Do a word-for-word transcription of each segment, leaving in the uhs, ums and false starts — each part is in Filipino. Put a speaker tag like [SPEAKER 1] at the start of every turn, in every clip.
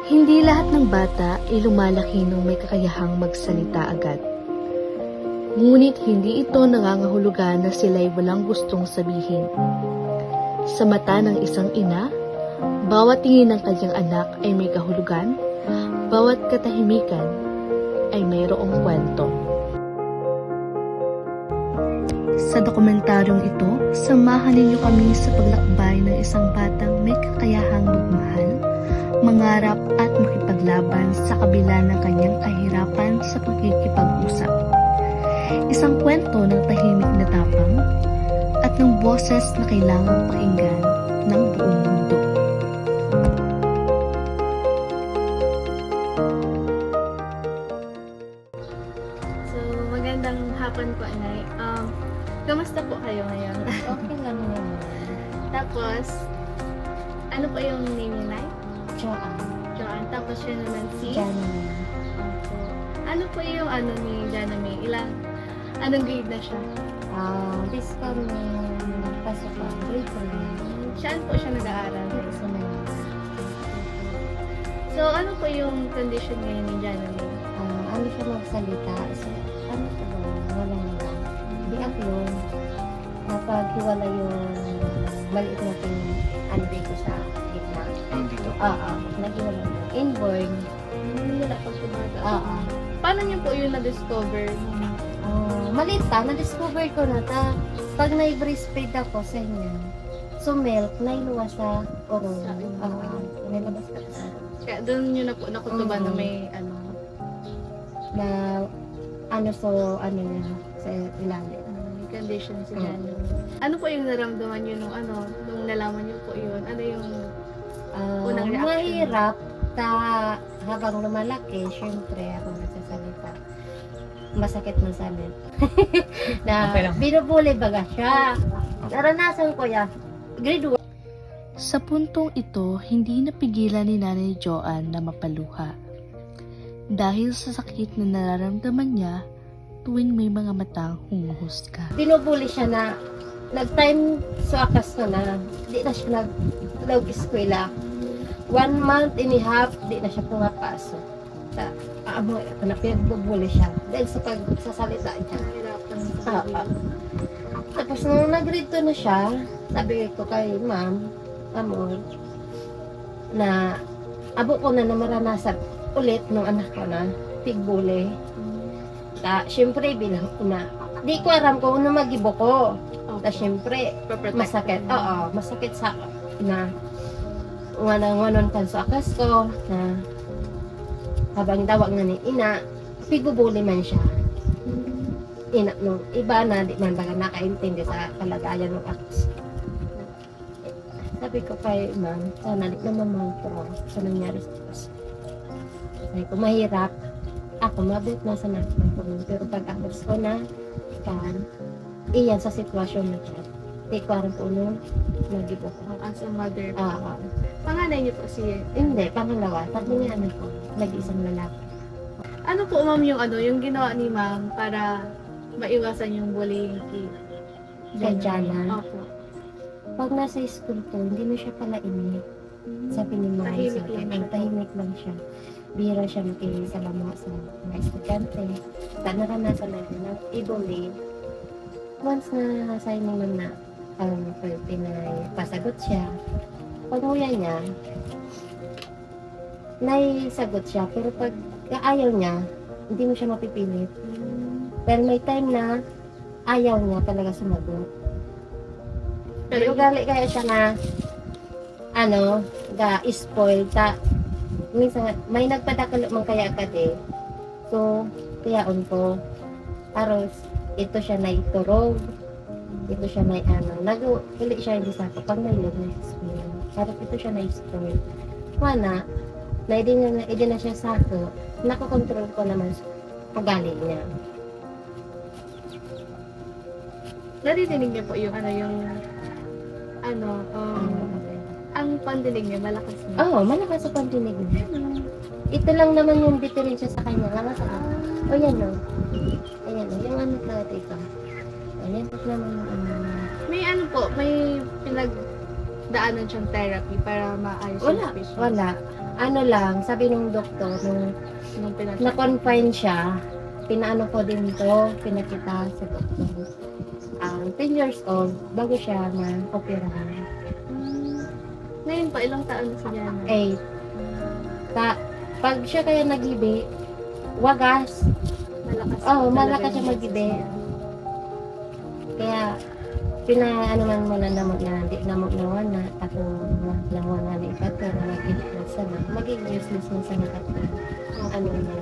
[SPEAKER 1] Hindi lahat ng bata ay lumalaki nang may kakayahang magsalita agad. Ngunit hindi ito nangangahulugan na sila'y walang gustong sabihin. Sa mata ng isang ina, bawat tingin ng kanyang anak ay may kahulugan, bawat katahimikan ay mayroong kwento. Sa dokumentaryong ito, samahan ninyo kami sa paglakbay ng isang batang may kakayahang magmahal, mangarap at makipaglaban sa kabila ng kanyang kahirapan sa pagkikipag-usap. Isang kwento ng tahimik na tapang at ng boses na kailangang pakinggan ng buong mundo.
[SPEAKER 2] So, magandang hapon po, Nay. Um, kamusta po kayo ngayon?
[SPEAKER 3] Okay lang naman.
[SPEAKER 2] Tapos, ano po yung name niya, Nay?
[SPEAKER 3] Joanne.
[SPEAKER 2] Joanne. Tapos siya naman si?
[SPEAKER 3] Janine.
[SPEAKER 2] Opo. Ano po yung ano ni Jana May? Ilang, anong grade na siya?
[SPEAKER 3] Ah, this coming pasok pa. Grade three.
[SPEAKER 2] Saan po siya nag-aaral?
[SPEAKER 3] Dito sa Manila.
[SPEAKER 2] So, ano po yung condition ngayon ni Jana May?
[SPEAKER 3] Ah, ano siya magsalita? So, ano siya ba? Wala na lang. Di ako yun. Napaghiwala yung maliit natin ano dito sa gitna.
[SPEAKER 4] Dito.
[SPEAKER 3] Oo. Naghiwala na. Inborn.
[SPEAKER 2] Hmm, wala pang tumaga.
[SPEAKER 3] Oo.
[SPEAKER 2] Paano niyo po yung na-discover?
[SPEAKER 3] Ah, maliit pa. Na-discover ko na ta. Pag na-breastfeed ako sa inyo, so milk, nailuwa sa oron.
[SPEAKER 2] Sa inyo.
[SPEAKER 3] Oo. Nilabas ka sa
[SPEAKER 2] Kaya doon niyo na po nakutuban na
[SPEAKER 3] Mhm.
[SPEAKER 2] may ano.
[SPEAKER 3] na ano so ano niya sa ilalim.
[SPEAKER 2] may condition si
[SPEAKER 3] Mm.
[SPEAKER 2] Jana. Ano po yung naramdaman niyo nung ano, nung nalaman niyo po yun? Ano yung
[SPEAKER 3] Ah,
[SPEAKER 2] Unang reaction.
[SPEAKER 3] mahirap ta habang lumalaki, syempre ako nagsasalita. Masakit man salit. na
[SPEAKER 4] Okay lang.
[SPEAKER 3] binubuli baga siya. Naranasan ko yan. Grade one.
[SPEAKER 1] Sa puntong ito, hindi napigilan ni Nanay Joanne na mapaluha. Dahil sa sakit na nararamdaman niya tuwing may mga matang humuhusga.
[SPEAKER 3] Binubuli siya na nag-time sa akas na na. Di na siya nag-eskwela. One month and a half, di na siya pumapasok. Ta, amo, na pinagbubuli siya. Dahil sa pagsasalita niya.
[SPEAKER 2] nahirapan sa
[SPEAKER 3] Ah,
[SPEAKER 2] sarili?
[SPEAKER 3] ah. Tapos nung nag-read to na siya, sabi ko kay ma'am, amor, na abo ko na na maranasan ulit nung anak ko na pigbuli. Ta, syempre bilang ina, di ko aram kung ano magibo ko. Ta, syempre,
[SPEAKER 2] Paprotect
[SPEAKER 3] masakit.
[SPEAKER 2] mo.
[SPEAKER 3] Oo, masakit sa na nga na nganon kan sa akas ko na habang dawag nga ni ina, pigbubuli man siya. Ina, nung iba na, di man baga nakaintindi sa kalagayan ng akas. Sabi ko kay ma'am, sana di naman mag-pro sa nangyari sa akas. Sabi ko, mahirap. Ako, mabot na sa natin ko. Pero pag akas ko na, kan, iyan sa sitwasyon na siya. Di ko aram po nung nagibo ko.
[SPEAKER 2] As a mother po.
[SPEAKER 3] Ah, ah.
[SPEAKER 2] Panganay niyo po si...
[SPEAKER 3] Hindi, pangalawa. Tatlo nga anak ko. Nag-isang lalaki.
[SPEAKER 2] Ano po ma'am yung ano, yung ginawa ni ma'am para maiwasan yung bullying kay
[SPEAKER 3] Kay Jana?
[SPEAKER 2] Opo.
[SPEAKER 3] Pag nasa school to, hindi mo siya pala ini. Sabi ni mama
[SPEAKER 2] Tahimik
[SPEAKER 3] sa
[SPEAKER 2] lang
[SPEAKER 3] akin,
[SPEAKER 2] siya.
[SPEAKER 3] ang tahimik lang siya. Bira siya makisalamuha sa mga estudyante. Sa naranasan natin na i-bully. Once na sa inyo man na um, pinapasagot siya, pag nguya niya, naisagot siya. Pero pag ayaw niya, hindi mo siya mapipilit. Pero may time na ayaw niya talaga sumagot. Pero
[SPEAKER 2] Pero
[SPEAKER 3] ugali kaya siya na ano, ga-spoil ta. Minsan, may nagpadakalo man kaya ka de. So, tiyaon ko. Aros, ito siya na iturog. Ito siya na ano. Nag-uli siya hindi sa ako. Pag may love na spoil. Aros, ito siya na spoil. Mana, na hindi na, hindi na siya sa ako. Nakokontrol ko naman sa ugali niya.
[SPEAKER 2] naririnig niyo po yung ano, yung ano, um, ang pandinig niya malakas niya.
[SPEAKER 3] Oo, oh, malakas sa pandinig niya. Ito lang naman yung diferensya sa kanya. Nga sa kanya. O yan o. Ayan o. Yung ano natin ito. Ayan. Ito naman yung ano.
[SPEAKER 2] May ano po, may pinag daanan siyang therapy para maayos yung
[SPEAKER 3] Wala,
[SPEAKER 2] speech niya?
[SPEAKER 3] wala. Ano lang, sabi ng doktor, nung
[SPEAKER 2] Nung pinag-
[SPEAKER 3] na-confine siya, pinaano ko din to, pinakita sa doktor. Um, ten years old, bago siya na-operahan.
[SPEAKER 2] Hmm. Ngayon po, ilang taon na si Jana?
[SPEAKER 3] eight. Ta, pag siya kaya nagibi, wagas.
[SPEAKER 2] Malakas
[SPEAKER 3] Oo,
[SPEAKER 2] po talaga
[SPEAKER 3] malakas siya
[SPEAKER 2] yung
[SPEAKER 3] mag-ibe.
[SPEAKER 2] boses niya.
[SPEAKER 3] Kaya, pinaano man mo na namot na, di namot na wana, ako nawan nga na ikato, na mag-ilit sana. Magiging useless na sana kato. Ang ano na.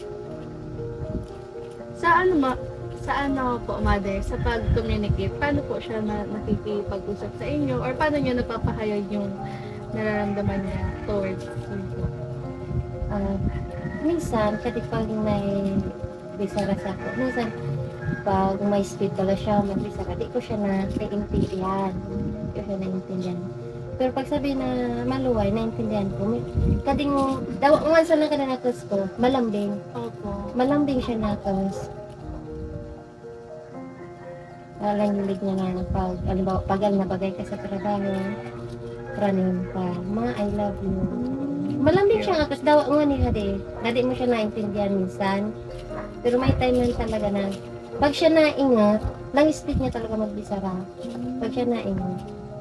[SPEAKER 2] Sa ano ma, sa ano po, mother, sa pag-communicate, paano po siya na nakikipag-usap sa inyo? Or paano niya napapahayag yung nararamdaman niya towards you po?
[SPEAKER 3] Ah, minsan, kasi pag may bisara sa ako, minsan, pag may speed pala siya, magbisara, di ko siya na naiintindihan. Di ko siya naiintindihan. Pero pag sabi na maluway, naiintindihan ko. May, kading, daw, once lang ka na natos ko, malambing.
[SPEAKER 2] Opo.
[SPEAKER 3] Malambing siya natos. Nalangilig niya na pag, alimbawa, pagal na bagay ka sa trabaho, praning pa, ma, I love you. Malambing siya nga, kasi daw nga ni Hadi. Hadi mo siya naintindihan minsan. Pero may time lang talaga na, pag siya naingat, lang speed niya talaga magbisara. Pag siya naingat.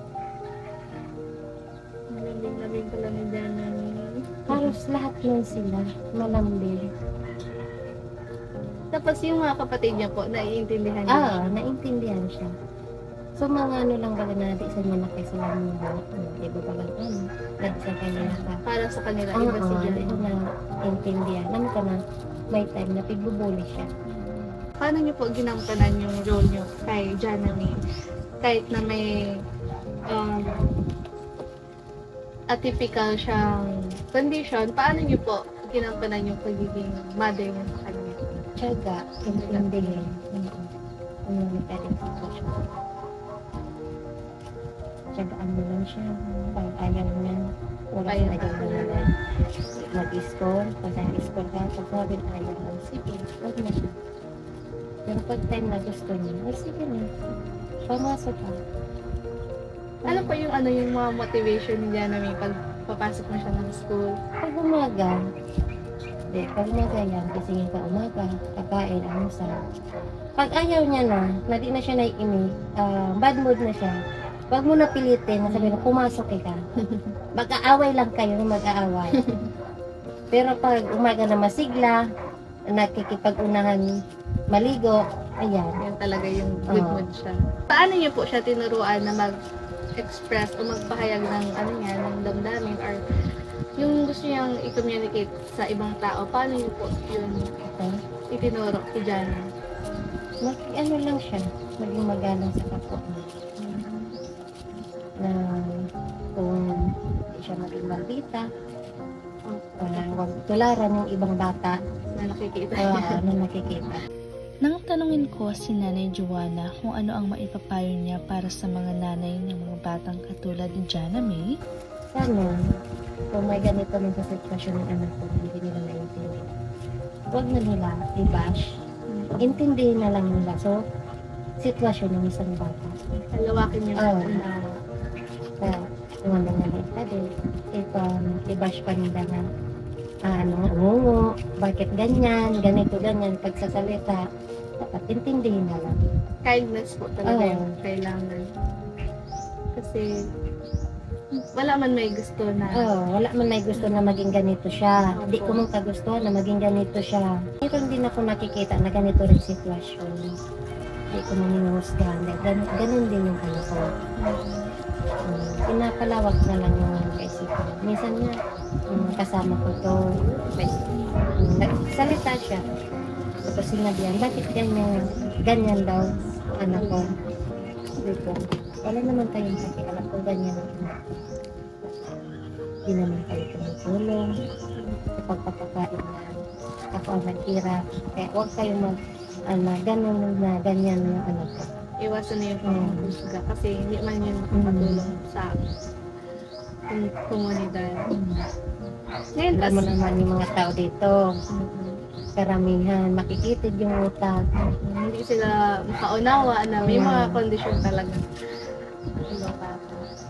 [SPEAKER 2] Malamig-lamig pala ni Jana.
[SPEAKER 3] Halos lahat nun sila, malambing.
[SPEAKER 2] Tapos yung mga kapatid niya po, naiintindihan niya.
[SPEAKER 3] Ah, naintindihan siya. So, mga ano lang baga na, di sa mga nakay sila mga, iba ba lang, ano, dahil sa kanya ka.
[SPEAKER 2] Para sa kanila,
[SPEAKER 3] Oo,
[SPEAKER 2] iba si
[SPEAKER 3] di ko
[SPEAKER 2] Jana.
[SPEAKER 3] na intindihan. Alam ko na, may time na pigbubuli siya.
[SPEAKER 2] Paano niyo po ginampanan yung role niyo kay Jana May? Kahit na may um, atypical siyang condition, paano niyo po ginampanan yung pagiging mother niyo sa kanya?
[SPEAKER 3] Tiyaga, intindihin. Ano na pwede ko siya. Tiyagaan mo lang siya. Pag ayaw niya, wala
[SPEAKER 2] Ayaw.
[SPEAKER 3] siya ayaw na naman. Mag-score, pag nag-score ka, pag sabi na ayaw mo, sige, wag na siya. Pero pag time na gusto niya, ay sige na. Pamasok ka.
[SPEAKER 2] Ano po yung ano yung mga motivation ni Jana May pag papasok na siya ng school?
[SPEAKER 3] Pag umaga, di, pag umaga yan, gisingin ka umaga, kakain, almusal. Pag ayaw niya na, na di na siya naiinig, ah, bad mood na siya, wag mo na pilitin na sabihin, pumasok ka. Mag-aaway lang kayo na mag-aaway. Pero pag umaga na masigla, nakikipag-unahan maligo, ayan.
[SPEAKER 2] Yan talaga yung good
[SPEAKER 3] Oo.
[SPEAKER 2] mood siya. Paano niyo po siya tinuruan na mag-express o magpahayag ng ano niya, ng damdamin or yung gusto niyang i-communicate sa ibang tao, paano niyo po yun
[SPEAKER 3] Okay.
[SPEAKER 2] itinuro kay Jana?
[SPEAKER 3] Mag, ano lang siya, maging magalang sa kapwa niya. Na kung hindi siya maging maldita, wala, wag tularan yung ibang bata
[SPEAKER 2] Na nakikita
[SPEAKER 3] uh,
[SPEAKER 2] niya.
[SPEAKER 3] na nakikita.
[SPEAKER 1] Nang tanungin ko si Nanay Joanna kung ano ang maipapayo niya para sa mga nanay ng mga batang katulad ni Jana May,
[SPEAKER 3] Sana, kung may ganito man sa sitwasyon ng anak ko, hindi nila naiintindihan. Huwag na nila i-bash. Intindihin na lang nila. So, sitwasyon ng isang bata.
[SPEAKER 2] Halawakin niyo
[SPEAKER 3] Oo.
[SPEAKER 2] ang unawa.
[SPEAKER 3] Kaya, kung ano nga rin ka din, ito, i-bash pa nila na, ah, ano, ngungo, bakit ganyan, ganito, ganyan, pagsasalita, dapat intindihin na lang.
[SPEAKER 2] Kindness po talaga
[SPEAKER 3] Oo.
[SPEAKER 2] yung kailangan. Kasi wala man may gusto na
[SPEAKER 3] Oh, wala man may gusto na maging ganito siya. Hindi ko man kagustuhan na maging ganito siya. Meron din ako nakikita na ganito rin sitwasyon. Hindi ko man hinuhusgahan. Dahil Ganun, ganun din yung ano ko. Um, pinapalawak na lang yung kaisipan. Minsan nga, um, kasama ko to. Pues, um, nagsalita siya. Tapos sinabihan, bakit ganyan, ganyan daw, anak ko. Dito. Wala naman tayong pakialam kung ganyan ang anak ko. Hindi naman tayo tumutulong sa pagpapakain na ako ang naghirap. Kaya huwag kayong mag, ano, ganun na, ganyan yung anak ko.
[SPEAKER 2] iwasan niyo yung
[SPEAKER 3] Mm.
[SPEAKER 2] pangungusga kasi hindi man yun makakatulong sa kom- komunidad. Ngayon,
[SPEAKER 3] Alam mo
[SPEAKER 2] as,
[SPEAKER 3] naman yung mga tao dito, karamihan, makikitid yung utak.
[SPEAKER 2] hindi sila makaunawa na may
[SPEAKER 3] Mm.
[SPEAKER 2] mga kondisyon talaga. Ibang bata.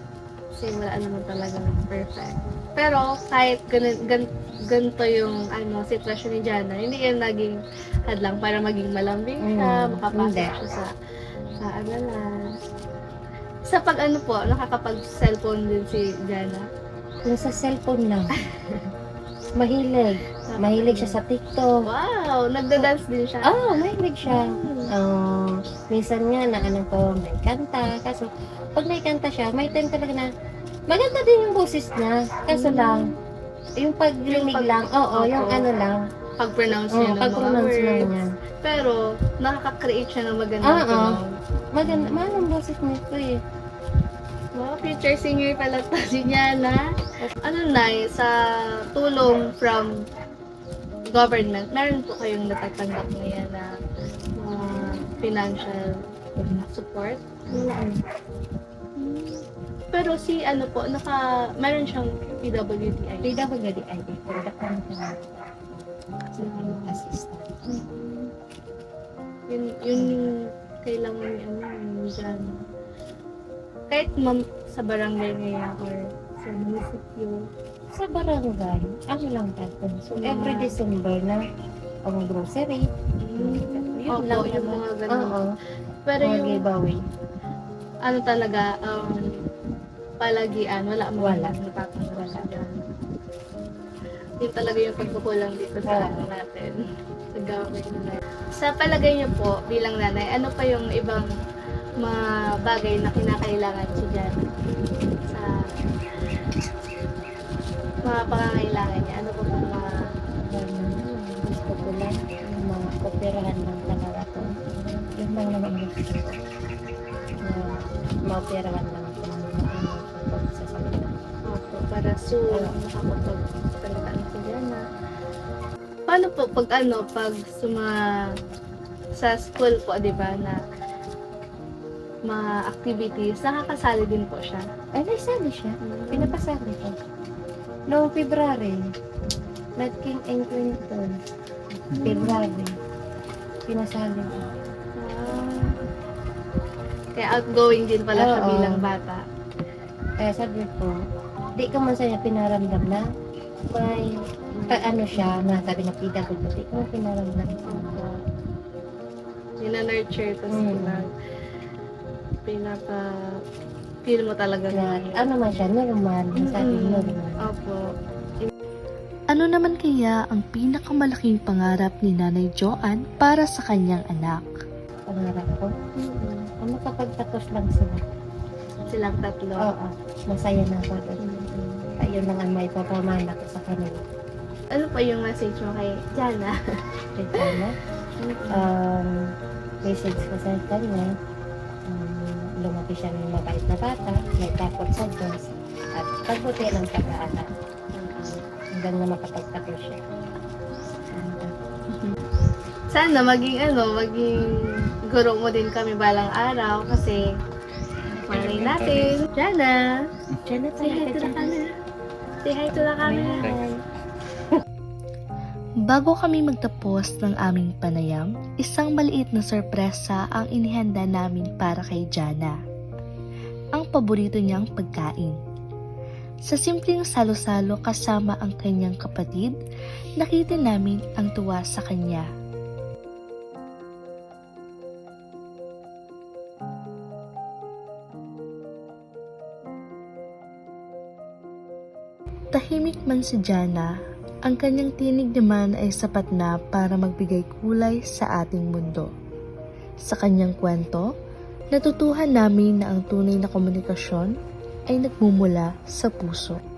[SPEAKER 2] Kasi wala naman talagang perfect. Pero kahit ganun, gan, ganito yung ano, sitwasyon ni Jana, hindi yan naging hadlang para maging malambing siya,
[SPEAKER 3] Mm,
[SPEAKER 2] makapasok
[SPEAKER 3] hindi.
[SPEAKER 2] siya sa, sa aralan. Sa pag ano po, nakakapag-cellphone din si Jana.
[SPEAKER 3] Kung sa cellphone lang. Mahilig. Mahilig siya sa TikTok.
[SPEAKER 2] Wow! Nagda-dance din siya.
[SPEAKER 3] Oo, oh, mahilig siya.
[SPEAKER 2] Hmm.
[SPEAKER 3] Oh, minsan nga na ano ko, may kanta. Kaso, pag may kanta siya, may time talaga na maganda din yung boses niya. Kaso
[SPEAKER 2] Mm.
[SPEAKER 3] lang, yung paglinig
[SPEAKER 2] Yung pag-
[SPEAKER 3] lang, oo,
[SPEAKER 2] Opo.
[SPEAKER 3] yung ano lang,
[SPEAKER 2] Pag-pronounce
[SPEAKER 3] oo,
[SPEAKER 2] niya ng mga
[SPEAKER 3] pag-pronounce lang
[SPEAKER 2] words.
[SPEAKER 3] niya.
[SPEAKER 2] Pero, nakaka-create siya ng magandang
[SPEAKER 3] Oo.
[SPEAKER 2] tunog.
[SPEAKER 3] Maganda, mahal ang boses nito eh.
[SPEAKER 2] Wow, future singer pala to si Jana. Ano na sa tulong from government, meron po kayong natatanggap ngayon na mga financial support?
[SPEAKER 3] Wala ano.
[SPEAKER 2] Pero si ano po, naka, meron siyang P W D I.
[SPEAKER 3] P W D I D, product kami ka sa assistant.
[SPEAKER 2] Yun, yun yung kailangan ni ano, ni Jana. Kahit ma'am, sa barangay ngayon or sa munisipyo.
[SPEAKER 3] Sa barangay, ano lang tayo. So,
[SPEAKER 2] Mga-
[SPEAKER 3] every December na ang grocery. Yun
[SPEAKER 2] Opo,
[SPEAKER 3] lang
[SPEAKER 2] yung
[SPEAKER 3] naman.
[SPEAKER 2] mga ganun.
[SPEAKER 3] Oo,
[SPEAKER 2] Pero
[SPEAKER 3] mga
[SPEAKER 2] yung
[SPEAKER 3] giveaway.
[SPEAKER 2] ano talaga, um, palagian, wala mo
[SPEAKER 3] Wala.
[SPEAKER 2] natatanggap sa Jana. Yun talaga yung pagkukulang dito sa
[SPEAKER 3] Oo.
[SPEAKER 2] ano natin. Sa government nila. Sa palagay niyo po, bilang nanay, ano pa yung ibang mga bagay na kinakailangan si Jana sa mga pangangailangan niya? Ano pa po mga
[SPEAKER 3] Ganun. Gusto ko lang yung mga operahan lang talaga to. Yun lang naman ang gusto ko. Na maoperahan lang ako ng ano sa salita.
[SPEAKER 2] opo, para soon makapagpagsalita na si Jana? Paano po pag ano, pag sa mga sa school po, di ba, na mga activities, nakakasali din po siya.
[SPEAKER 3] Ay, naisali siya. Pinapasali ko. Noong February, Nat King and Quinton. February. Pinasali ko.
[SPEAKER 2] Ah. Kaya outgoing din pala siya
[SPEAKER 3] Oo.
[SPEAKER 2] bilang bata.
[SPEAKER 3] Kaya sabi ko, di ka man sa'yo pinaramdam na may ka, ano siya, na sabi na P W D, di ko man pinaramdam.
[SPEAKER 2] Opo. Nina-nurture to
[SPEAKER 3] Mm.
[SPEAKER 2] sila. Pinaka feel mo talaga
[SPEAKER 3] Na,
[SPEAKER 2] na
[SPEAKER 3] ano man siya, normal. Sabi
[SPEAKER 2] Mm-mm.
[SPEAKER 3] normal.
[SPEAKER 2] Opo.
[SPEAKER 1] Ano naman kaya ang pinakamalaking pangarap ni Nanay Joanne para sa kanyang anak?
[SPEAKER 3] Pangarap ko.
[SPEAKER 2] Mm-mm.
[SPEAKER 3] Kung makapagtapos lang sila.
[SPEAKER 2] Silang tatlo.
[SPEAKER 3] Oo. Masaya na ako doon.
[SPEAKER 2] Mm-mm.
[SPEAKER 3] Ayun lang ang may papamana ko sa kanila.
[SPEAKER 2] Ano pa yung message mo kay Jana?
[SPEAKER 3] Kaya sana, um, message ko sa kanya, um, lumaki siya ng mabait na bata, may takot sa Diyos, at pagbuti ng pag-aaral. Hanggang na makapagtapos siya.
[SPEAKER 2] Sana maging ano, maging guro mo din kami balang araw kasi malay natin. Jana,
[SPEAKER 3] Diyan na
[SPEAKER 2] say hi to the camera. Say hi to the camera.
[SPEAKER 1] Bago kami magtapos ng aming panayam, isang maliit na sorpresa ang inihanda namin para kay Jana. Ang paborito niyang pagkain. Sa simpleng salo-salo kasama ang kanyang kapatid, nakita namin ang tuwa sa kanya. Tahimik man si Jana, ang kanyang tinig naman ay sapat na para magbigay kulay sa ating mundo. Sa kanyang kwento, natutuhan namin na ang tunay na komunikasyon ay nagmumula sa puso.